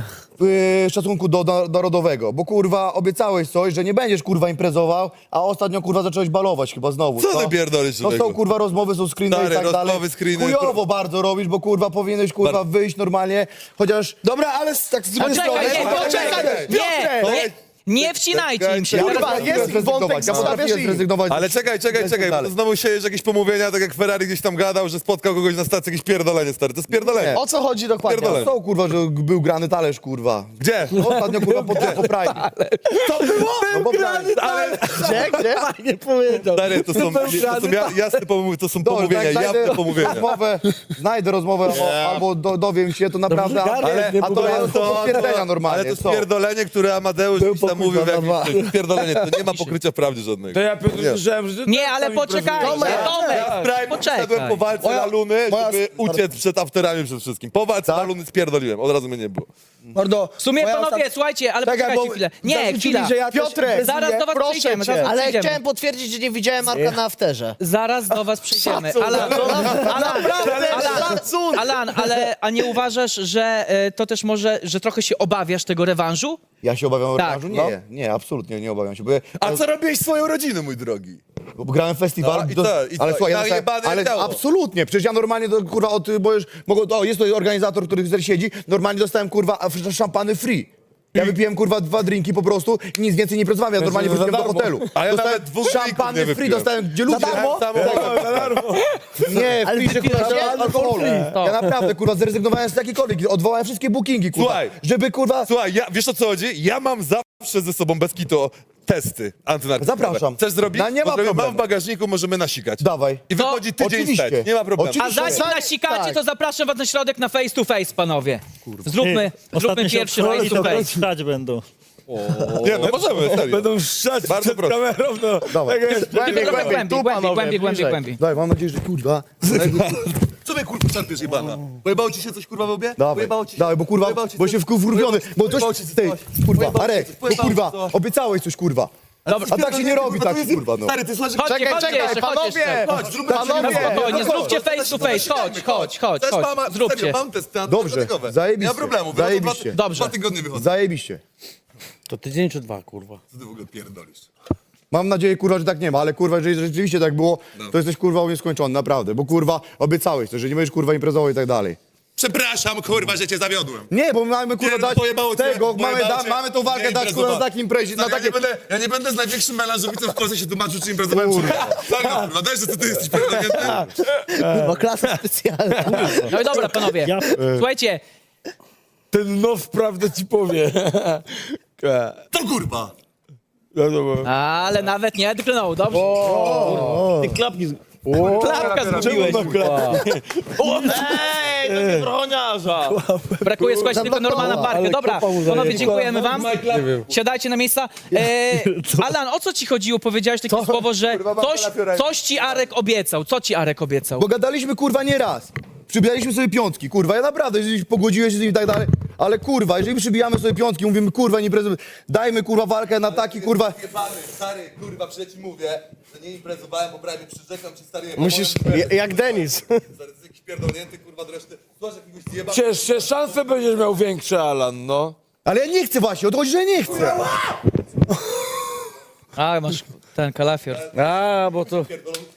Speaker 4: y, szacunku do, do narodowego, bo kurwa obiecałeś coś, że nie będziesz kurwa imprezował, a ostatnio kurwa zacząłeś balować chyba znowu.
Speaker 10: Co ty pierdolisz,
Speaker 4: To są
Speaker 10: człowieku?
Speaker 4: kurwa rozmowy, są screeny
Speaker 10: Stary,
Speaker 4: i tak dalej.
Speaker 10: rozmowy, screeny,
Speaker 4: Chujowo
Speaker 10: kur-
Speaker 4: bardzo robisz, bo kurwa powinieneś kurwa wyjść normalnie, chociaż...
Speaker 1: Dobra, ale z- tak z drugiej strony...
Speaker 5: Poczekaj, nie,
Speaker 1: Poczekaj,
Speaker 5: poczekaj,
Speaker 1: Piotrek!
Speaker 5: nie, nie, nie wcinajcie im się.
Speaker 1: Kurwa,
Speaker 4: Potrafię
Speaker 1: jest
Speaker 4: zrezygnować,
Speaker 1: wątek,
Speaker 4: ja
Speaker 1: zostawiasz
Speaker 4: potrafię
Speaker 1: i-
Speaker 4: zrezygnować.
Speaker 10: Ale czekaj, czekaj,
Speaker 4: Lecę
Speaker 10: czekaj, bo
Speaker 4: dalej.
Speaker 10: to znowu się jakieś pomówienia, tak jak Ferrari gdzieś tam gadał, że spotkał kogoś na stacji, jakieś pierdolenie, stary. To jest pierdolenie.
Speaker 1: O co chodzi dokładnie?
Speaker 10: Pierdolę.
Speaker 4: Co kurwa, że był grany talerz kurwa.
Speaker 10: Gdzie?
Speaker 4: Ostatnio kurwa po, po Prime.
Speaker 1: To było?
Speaker 4: No bo Prime.
Speaker 10: Ale,
Speaker 1: Gdzie, gdzie?
Speaker 3: Nie powiedział.
Speaker 10: stary, to są, to są ja- jasne pomówienia, to są
Speaker 4: Dobrze,
Speaker 10: pomówienia,
Speaker 4: jak znajdę
Speaker 10: jawne pomówienia.
Speaker 4: rozmowę, znajdę rozmowę o, albo do, dowiem się, to naprawdę...
Speaker 3: Dobrze,
Speaker 4: ale,
Speaker 3: Gareth, nie
Speaker 4: a to
Speaker 3: próbuję.
Speaker 4: jest to potwierdzenia normalnie.
Speaker 10: Ale to
Speaker 4: co?
Speaker 10: spierdolenie, które Amadeusz gdzieś tam mówił, w jakimś, to jest spierdolenie, to nie ma pokrycia w prawdzie żadnego.
Speaker 9: To ja Piotr
Speaker 10: Nie.
Speaker 9: słyszałem, że... ty
Speaker 5: Nie, ale
Speaker 9: tam
Speaker 5: poczekajcie,
Speaker 9: imprezujesz.
Speaker 5: Tomek,
Speaker 10: Prime
Speaker 5: poczekaj.
Speaker 10: wszedłem po walce
Speaker 1: Moja-
Speaker 10: na Luny,
Speaker 1: moja-
Speaker 10: żeby uciec przed afterami przede wszystkim. Po walce na Luny spierdoliłem, od razu mnie nie było.
Speaker 2: Mordo,
Speaker 5: W sumie,
Speaker 2: moja
Speaker 5: panowie,
Speaker 2: ostat-
Speaker 5: słuchajcie, ale
Speaker 2: Czekaj,
Speaker 5: poczekajcie
Speaker 2: bo
Speaker 5: chwilę. Nie,
Speaker 2: zarzucili,
Speaker 5: chwila.
Speaker 2: że ja też
Speaker 1: Piotrek,
Speaker 2: imprezuję.
Speaker 5: Zaraz do was
Speaker 1: proszę
Speaker 5: przejdziemy,
Speaker 1: cię.
Speaker 5: zaraz do was
Speaker 8: Ale
Speaker 5: przejdziemy.
Speaker 8: chciałem potwierdzić, że nie widziałem Marka na afterze.
Speaker 5: Zaraz do was przejdziemy.
Speaker 1: Szacun,
Speaker 5: Alan, Alan,
Speaker 1: Naprawdę,
Speaker 5: Alan,
Speaker 1: szacun!
Speaker 5: Alan, ale a nie uważasz, że e, to też może, że trochę się obawiasz tego rewanżu?
Speaker 4: Ja się obawiam
Speaker 5: Tak,
Speaker 4: rewanżu?
Speaker 5: no.
Speaker 4: Nie, nie, absolutnie nie obawiam się. Bo, ja-
Speaker 10: A co robiłeś swoją rodziną, mój drogi?
Speaker 4: bo grałem w festiwal.
Speaker 10: No, i
Speaker 4: do-
Speaker 10: co, i
Speaker 4: ale
Speaker 10: co,
Speaker 4: słuchaj,
Speaker 10: i
Speaker 4: ja dostałem,
Speaker 10: najebane
Speaker 4: ale
Speaker 10: ciało.
Speaker 4: absolutnie, przecież ja normalnie do, kurwa od, bo już, mogę, o, jest to organizator, który tutaj siedzi, normalnie dostałem kurwa f- szampany free. Ja wypiłem kurwa dwa drinki po prostu i nic więcej nie pracowałem, ja normalnie
Speaker 9: za
Speaker 4: wróciłem do
Speaker 9: darmo.
Speaker 4: hotelu.
Speaker 10: A ja
Speaker 4: dostałem
Speaker 10: nawet dwóch drinków nie
Speaker 4: szampany free,
Speaker 10: wypiłem.
Speaker 4: dostałem gdzie ludzie...
Speaker 10: darmo?
Speaker 9: Za darmo.
Speaker 4: Nie, w pisze kurwa
Speaker 8: wypiłeś
Speaker 4: al- alkoholu. Ja naprawdę kurwa zrezygnowałem z jakiejkolwiek, odwołałem wszystkie bookingi kurwa,
Speaker 10: Słuchaj.
Speaker 4: żeby kurwa...
Speaker 10: Słuchaj, ja, wiesz o co chodzi? Ja mam zawsze ze sobą bez kitu testy antynarkotykowe.
Speaker 4: Zapraszam.
Speaker 10: Chcesz zrobić?
Speaker 4: No, nie ma
Speaker 10: Możemy- Mam
Speaker 4: problemu.
Speaker 10: w bagażniku, możemy nasikać.
Speaker 4: Dawaj.
Speaker 10: I wychodzi tydzień
Speaker 4: Oczywiście.
Speaker 10: wstecz, nie ma problemu.
Speaker 4: Oczywiście.
Speaker 5: A zanim nasikacie,
Speaker 1: tak.
Speaker 5: to zapraszam was na środek na face to face, panowie. Zróbmy,
Speaker 3: Ostatnio
Speaker 5: zróbmy
Speaker 3: się
Speaker 5: pierwszy
Speaker 3: odchroli,
Speaker 5: face to
Speaker 3: to
Speaker 5: face.
Speaker 3: stać będą.
Speaker 10: Nie, no możemy, serio.
Speaker 9: Będą szczać
Speaker 10: Bardzo
Speaker 9: przed
Speaker 10: proszę.
Speaker 9: kamerą, no.
Speaker 4: Dawaj.
Speaker 9: Tak jest.
Speaker 1: Głębiej,
Speaker 5: Tylko trochę
Speaker 1: głębiej,
Speaker 5: głębiej,
Speaker 1: tu
Speaker 5: głębiej,
Speaker 1: panowie,
Speaker 5: głębiej, głębiej,
Speaker 1: bliżej.
Speaker 5: głębiej.
Speaker 4: Daj, mam nadzieję, że kurwa...
Speaker 10: Co mnie kurwa czerpiesz jebana? Pojebało ci się coś kurwa w łbie?
Speaker 4: Dawaj,
Speaker 10: Pojebało ci się?
Speaker 4: dawaj, bo kurwa,
Speaker 10: Pojebało ci
Speaker 4: bo
Speaker 10: coś?
Speaker 4: się wkurwiony, bo coś,
Speaker 10: Pojebało ci coś?
Speaker 4: tej, kurwa,
Speaker 10: Pojebało ci
Speaker 4: Arek,
Speaker 10: coś?
Speaker 4: bo
Speaker 10: Pojebało
Speaker 4: kurwa,
Speaker 10: ci coś?
Speaker 4: obiecałeś coś, kurwa.
Speaker 5: Dobra,
Speaker 4: A tak się nie robi, tak, kurwa, no.
Speaker 10: Stary, ty słuchasz...
Speaker 5: Chodźcie,
Speaker 1: Czekaj,
Speaker 5: chodźcie
Speaker 1: czekaj,
Speaker 5: jeszcze, chodź
Speaker 1: panowie!
Speaker 5: jeszcze.
Speaker 10: Chodź, zróbmy
Speaker 1: Panowie!
Speaker 5: Na spokojnie,
Speaker 10: Chodź,
Speaker 5: zróbcie
Speaker 10: chodź,
Speaker 5: face
Speaker 10: chodź,
Speaker 5: to face, chodź, chodź, chodź,
Speaker 10: Też
Speaker 5: chodź,
Speaker 10: mama,
Speaker 5: zróbcie.
Speaker 10: serio, mam testy
Speaker 4: Dobrze,
Speaker 10: antynarkotykowe.
Speaker 4: zajebiście,
Speaker 10: Nie ma problemu. biorę to dwa-
Speaker 4: zajebiście.
Speaker 5: Dobrze.
Speaker 10: Dwa tygodnie wychodzę.
Speaker 4: Zajebiście.
Speaker 7: To tydzień czy dwa, kurwa?
Speaker 10: Co ty w ogóle pierdolisz?
Speaker 4: Mam nadzieję, kurwa, że tak nie ma, ale kurwa, jeżeli rzeczywiście tak było, to jesteś kurwa u mnie skończony, naprawdę, bo kurwa obiecałeś to, że nie będziesz kurwa imprezował i tak dalej.
Speaker 9: Przepraszam, kurwa, że cię zawiodłem.
Speaker 4: Nie, bo mamy kurwa
Speaker 9: Nie,
Speaker 4: dać
Speaker 9: pojebało cię,
Speaker 4: tego, mamy,
Speaker 9: pojebało
Speaker 4: da,
Speaker 9: cię.
Speaker 4: mamy tą walkę
Speaker 9: Nie
Speaker 4: dać kurwa na
Speaker 9: imprezowałem.
Speaker 4: takim imprezie, na
Speaker 9: Stary, ja,
Speaker 4: takie...
Speaker 9: nie będę, ja nie będę z największym melanżowicem w Polsce się tłumaczył, czy imprezowałem, czy nie. Serio, kurwa, daj, że to ty jesteś pierdolnięty.
Speaker 8: Bo klasa specjalna.
Speaker 5: No i dobra, panowie.
Speaker 3: Ja-
Speaker 5: Słuchajcie,
Speaker 9: Ten now prawdę ci powie. To kurwa.
Speaker 5: ale nawet nie drgnął, dobrze.
Speaker 6: Ty klapki z...
Speaker 5: Klapka zrobiłeś.
Speaker 6: Ej, to broniarza!
Speaker 5: Brakuje, słuchajcie, tylko normalna parkę. Dobra, panowie, dziękujemy wam. Siadajcie na miejsca. E, Alan, o co ci chodziło? Powiedziałeś takie słowo, że coś, coś ci Arek obiecał. Co ci Arek obiecał?
Speaker 4: Bo gadaliśmy kurwa nie raz. Przybijaliśmy sobie piątki, kurwa, ja naprawdę, jeżeli pogodziłeś się z nim i tak dalej, ale kurwa, jeżeli przybijamy sobie piątki, mówimy kurwa, nie imprezujemy, dajmy kurwa walkę na taki kurwa...
Speaker 10: Stary, kurwa, przecież ci mówię, że nie imprezowałem, bo prawie przyrzekam ci, stary,
Speaker 1: Musisz, ja- jak Denis.
Speaker 10: Stary, to jest jakiś pierdolnięty, kurwa, do reszty. Słuchaj, jakiegoś zjeba...
Speaker 9: Ciesz szanse będziesz miał większe, Alan, no.
Speaker 4: Ale ja nie chcę właśnie, o to chodzi, że nie chcę.
Speaker 5: A, masz ten kalafior.
Speaker 7: A, bo to...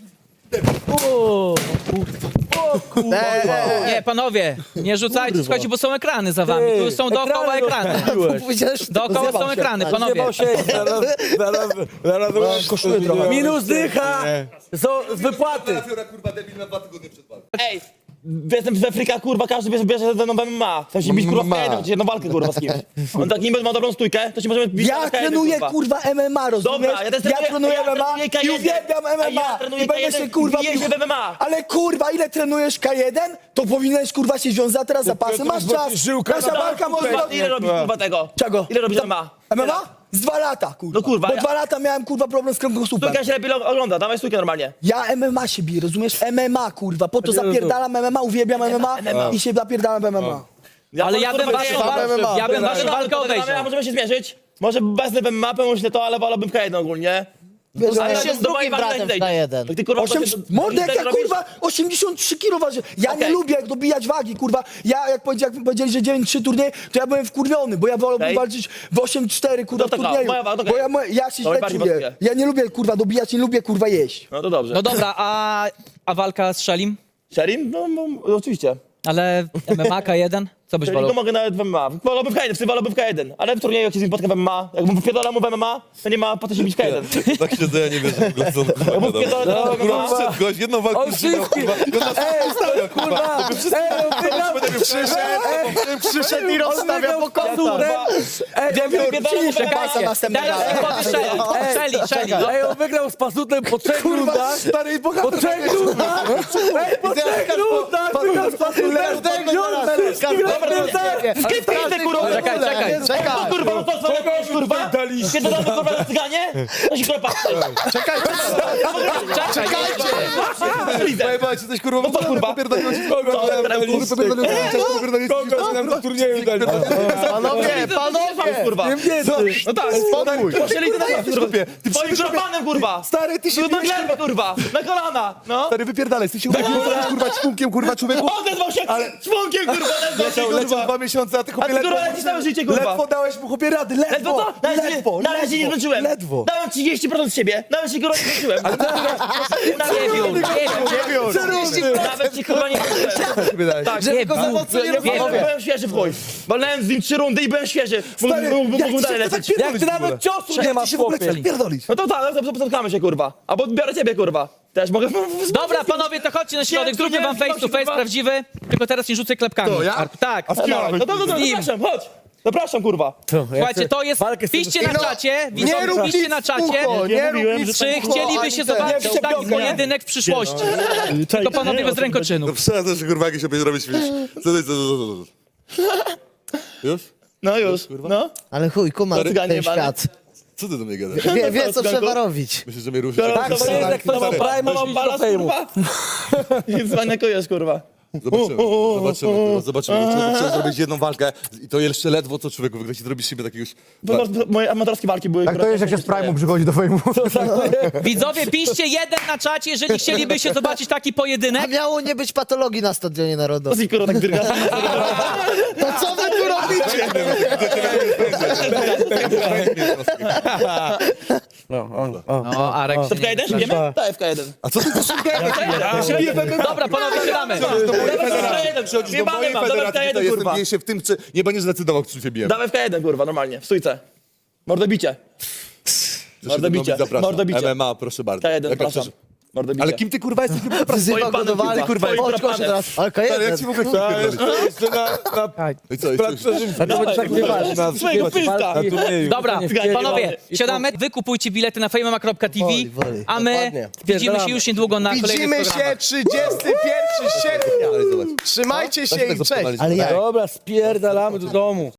Speaker 5: Nie, panowie, nie rzucajcie, słuchajcie, bo są ekrany za wami. Tu są dookoła ekrany. Dookoła są ekrany, panowie.
Speaker 7: Zjebał się.
Speaker 9: Zaraz, zaraz, zaraz...
Speaker 4: Kosztuje trochę.
Speaker 7: Minus dycha. Są z wypłaty.
Speaker 10: Kalafiora, kurwa, debil na dwa tygodnie przed walką.
Speaker 6: Ej, jestem z Afryka, kurwa, każdy bierze, bierze ze mną M M A. Chcę się bić, kurwa, w
Speaker 9: M M A.
Speaker 6: jedną, jedną walkę, kurwa, z kimś. On tak niby ma dobrą stójkę, to się możemy bić
Speaker 2: Ja
Speaker 6: na K jeden,
Speaker 2: trenuję
Speaker 6: kurwa.
Speaker 2: kurwa M M A, rozumiesz?
Speaker 6: Dobra, ja też
Speaker 2: ja
Speaker 6: trenuję-
Speaker 2: trenuję
Speaker 6: ja
Speaker 2: M M A
Speaker 6: trenuję K
Speaker 2: i
Speaker 6: jeden.
Speaker 2: uwielbiam M
Speaker 6: A
Speaker 2: M
Speaker 6: ja
Speaker 2: A
Speaker 6: trenuję
Speaker 2: i będę
Speaker 6: K jeden,
Speaker 2: się kurwa
Speaker 6: biję się w M M A.
Speaker 2: Ale kurwa, ile trenujesz K jeden, to powinieneś kurwa się wziąć za teraz zapasy, masz czas.
Speaker 9: żyłka
Speaker 2: Nasza
Speaker 6: Dobra,
Speaker 2: walka może
Speaker 6: kurwa,
Speaker 2: być.
Speaker 6: ile robisz, kurwa, tego?
Speaker 2: Czego?
Speaker 6: Ile robisz M M A?
Speaker 2: M M A? Z dwa lata, kurwa.
Speaker 6: No kurwa,
Speaker 2: Bo
Speaker 6: ja-
Speaker 2: dwa lata miałem kurwa problem z kręgosłupem.
Speaker 6: Stójka się lepiej ogląda, dawaj stójkę normalnie.
Speaker 2: Ja M M A się biję, rozumiesz? M M A, kurwa. Po to zapierdalam M M A, uwielbiam M M A i się zapierdalam w M M A.
Speaker 5: Ale ja bym
Speaker 6: kurwa,
Speaker 5: waszą
Speaker 6: nie-
Speaker 5: walkę, ja bym waszą
Speaker 6: Dobra,
Speaker 5: walkę
Speaker 6: to dodamy, a
Speaker 5: obejrzał.
Speaker 6: możemy się zmierzyć? Może bez M M A, pomyślę to, ale wolałbym K jeden ogólnie.
Speaker 8: Wiesz,
Speaker 6: Ale
Speaker 8: ja się
Speaker 6: do
Speaker 8: z drugim
Speaker 6: mojej walki
Speaker 8: bratem w
Speaker 6: wejdziesz.
Speaker 8: K jeden.
Speaker 6: Tak ty, kurwa,
Speaker 2: Osiem,
Speaker 6: to się-
Speaker 2: mordę, jak
Speaker 6: ty
Speaker 2: ja
Speaker 6: robisz?
Speaker 2: kurwa osiemdziesiąt trzy kilo waży. Ja nie
Speaker 6: Okej.
Speaker 2: lubię jak dobijać wagi, kurwa. Ja jak, powiedzi, jak powiedzieli, że dziewięć trzy turniej, to ja byłem wkurwiony, bo ja wolałbym
Speaker 6: Okej.
Speaker 2: walczyć w osiem cztery, kurwa,
Speaker 6: No
Speaker 2: w
Speaker 6: to
Speaker 2: turnieju.
Speaker 6: moja waga,
Speaker 2: Bo ja, mo- ja się
Speaker 6: To
Speaker 2: źle
Speaker 6: najbardziej
Speaker 2: czuję.
Speaker 6: pasuje.
Speaker 2: Ja nie lubię kurwa dobijać, nie lubię kurwa jeść.
Speaker 6: No to dobrze.
Speaker 5: No dobra, a, a walka z Szelim?
Speaker 6: Sherim? No, no, no oczywiście.
Speaker 5: Ale M M A K jeden? Co byś
Speaker 6: Sherim to
Speaker 5: wolał?
Speaker 6: mogę nawet w M M A. Wolałbym w K jeden, w tym wolałbym w K jeden. Ale w turnieju jak się z nim spotkam w M M A, jakbym wypierdolał mu w M M A, to nie ma po co się bić w K jeden.
Speaker 10: Tak siedzę, ja nie wierzę w ogóle, co on kurwa
Speaker 6: Ja mu
Speaker 10: gadał.
Speaker 6: wpierdolę w M M A.
Speaker 10: Kurwa, gość, jedną walkę
Speaker 7: On
Speaker 10: już wygrał,
Speaker 7: wszystkich-
Speaker 10: kurwa. I on nas rozstawia, kurwa.
Speaker 7: Ej, on wygrał.
Speaker 1: Przyszedł, przyszedł i rozstawia po kątach.
Speaker 7: Ej,
Speaker 6: Ja
Speaker 7: on
Speaker 6: bym
Speaker 7: wygrał-
Speaker 6: wypierdolał w M M A.
Speaker 2: Pasa następnym
Speaker 5: Teraz
Speaker 2: razem.
Speaker 5: powie Szeli, Szeli, Szeli. no.
Speaker 7: Ej, on wygrał z pasutem po trzech rundach.
Speaker 4: Stary,
Speaker 7: Po trzech rundach! Ej, po trzech rundach wygrał z pasutem!
Speaker 6: Skrypty, kurwa!
Speaker 5: Czekaj, czekaj.
Speaker 1: Czekaj,
Speaker 6: To kurwa, no to co robisz, kurwa? Pierdolamy, kurwa, na cyganie? To się kurwa patrzy.
Speaker 1: czekaj, czekajcie.
Speaker 10: Pojebałeś, jesteś kurwa,
Speaker 6: No to kurwa.
Speaker 10: popierdoliłeś.
Speaker 9: turnieju dali.
Speaker 1: Panowie, panowie.
Speaker 6: Kurwa. No tak,
Speaker 1: Spokój.
Speaker 6: poszli ty na kurwa. Ty twoim kropanem, kurwa.
Speaker 4: Stary, ty się
Speaker 6: No na glebę, kurwa. Na kolana, no.
Speaker 4: Stary, wypierdalaj, ty się urodziłeś kurwa ćpunkiem, kurwa, człowieku.
Speaker 6: Odezwał się członkiem, kurwa, odezwał się,
Speaker 4: Leciał, leciał
Speaker 6: kurwa.
Speaker 4: dwa miesiące, a ty
Speaker 6: A
Speaker 4: chłopie
Speaker 6: ty
Speaker 4: ledwo,
Speaker 6: kurwa lecisz całe życie, kurwa.
Speaker 4: ledwo dałeś mu chłopie rady, ledwo,
Speaker 6: Ledwo co? Nawet się-
Speaker 4: ledwo,
Speaker 6: Nawet się nie zmęczyłem.
Speaker 4: ledwo.
Speaker 6: Dałem trzydzieści procent z siebie. Nawet się kurwa nie zmęczyłem.
Speaker 5: Dziewiór, dziewiór.
Speaker 6: Nawet się kurwa nie zmęczyłem. Tak,
Speaker 5: Żeby go
Speaker 6: ja byłem, byłem świeży w chuj. Walnąłem z nim trzy rundy i byłem świeży.
Speaker 4: Stary,
Speaker 6: Mógłbym
Speaker 4: jak
Speaker 6: mógłbym
Speaker 4: ty
Speaker 6: dalej
Speaker 4: się tak
Speaker 6: lecieć.
Speaker 7: Jak ty nawet ciosu nie masz,
Speaker 4: się w ogóle
Speaker 7: chłopie!
Speaker 4: chcesz pierdolić.
Speaker 6: No to tak, no to spotkamy się, kurwa. Albo biorę ciebie, kurwa. Też mogę...
Speaker 5: Dobra, panowie, to chodźcie na środek, zróbmy wam face to face prawdziwy, tylko teraz nie rzucaj klepkami.
Speaker 4: To ja?
Speaker 5: Arku. Tak.
Speaker 6: No dobra, no to, to, to,
Speaker 5: Z nim.
Speaker 6: zapraszam, chodź. Zapraszam, kurwa.
Speaker 5: Słuchajcie, to jest,
Speaker 7: Walkę z tym-
Speaker 5: piszcie na czacie,
Speaker 1: Nie
Speaker 5: widzowie,
Speaker 1: rób
Speaker 5: piszcie
Speaker 1: nic
Speaker 5: na
Speaker 1: w
Speaker 5: czacie,
Speaker 1: ucho, nie rób
Speaker 3: mówiłem,
Speaker 1: nic
Speaker 3: że
Speaker 1: w
Speaker 5: czy
Speaker 1: ucho,
Speaker 5: chcieliby
Speaker 1: ani
Speaker 5: się
Speaker 1: ten.
Speaker 5: zobaczyć
Speaker 2: Nie,
Speaker 5: taki
Speaker 2: nie,
Speaker 5: pojedynek w przyszłości.
Speaker 3: Czaj,
Speaker 5: To panowie
Speaker 3: nie,
Speaker 5: bez
Speaker 3: o tym
Speaker 5: rękoczynu.
Speaker 10: No przestań się kurwa jakieś opieś robić śmieć. Co ty, co, co, co, co? Już?
Speaker 6: No już, no.
Speaker 8: Ale chuj, kuma
Speaker 6: Cyganie
Speaker 8: ten
Speaker 6: jebany.
Speaker 8: świat.
Speaker 10: Co ty do mnie gadasz?
Speaker 8: Wie, wie co trzeba robić.
Speaker 10: Myślisz, że mnie ruszysz?
Speaker 6: Tak,
Speaker 7: To jest jak to ma prime, mam do fejmu.
Speaker 6: Nie zwaniakujesz, kurwa.
Speaker 10: Zobaczymy, zobaczymy, kurwa, zobaczymy. Trzeba, trzeba zrobić jedną walkę i to jeszcze ledwo co człowieku, wygrać i zrobisz siebie takiegoś...
Speaker 6: Bo no, moje amatorskie walki były...
Speaker 4: Tak to jest, jak się z Prime'u przychodzi do fejmu.
Speaker 5: Widzowie, piszcie jeden na czacie, jeżeli chcieliby się zobaczyć taki
Speaker 8: A
Speaker 5: pojedynek.
Speaker 8: miało nie być patologii na Stadionie Narodowym.
Speaker 6: Dosyć, kurwa, tak dyrga.
Speaker 8: To co wy tu robicie?
Speaker 5: No, Arek się
Speaker 6: F K jeden
Speaker 5: nie
Speaker 6: śpijemy? Tak, F K jeden.
Speaker 10: A co ty chcesz
Speaker 5: Dobra, panowie, siadamy.
Speaker 6: Nie mamy wam, dawaj F K jeden, kurwa.
Speaker 10: Nie się w tym, czy nie będziesz decydował, czy się bijemy.
Speaker 6: Dawaj F K jeden, kurwa, normalnie, w stójce. Mordobicie. Mordobicie,
Speaker 10: Zapraszam.
Speaker 6: mordobicie.
Speaker 10: M M A, proszę bardzo.
Speaker 6: K jeden,
Speaker 10: Jaka
Speaker 6: proszę.
Speaker 10: chcesz-
Speaker 6: Mordobicie.
Speaker 10: Ale kim ty kurwa jesteś?
Speaker 8: Wzywa go do walki.
Speaker 6: kurwa,
Speaker 8: Chodź,
Speaker 6: twoim
Speaker 8: chodź teraz. Ale K jeden.
Speaker 10: Jak ci w ogóle chcesz I co, jeszcze
Speaker 6: Swojego pyska.
Speaker 5: Dobra,
Speaker 6: Zgadnij,
Speaker 5: panowie,
Speaker 6: panowie.
Speaker 5: siadamy, wy kupujcie bilety na fejmema kropka t v,
Speaker 8: Woli, woli.
Speaker 5: a my
Speaker 1: Dokładnie.
Speaker 5: widzimy się już niedługo na kolejnych
Speaker 1: Widzimy
Speaker 5: programach.
Speaker 1: się trzydziestego pierwszego sierpnia. Trzymajcie się i cześć.
Speaker 8: Ale jak?
Speaker 7: Dobra, spierdalamy do domu.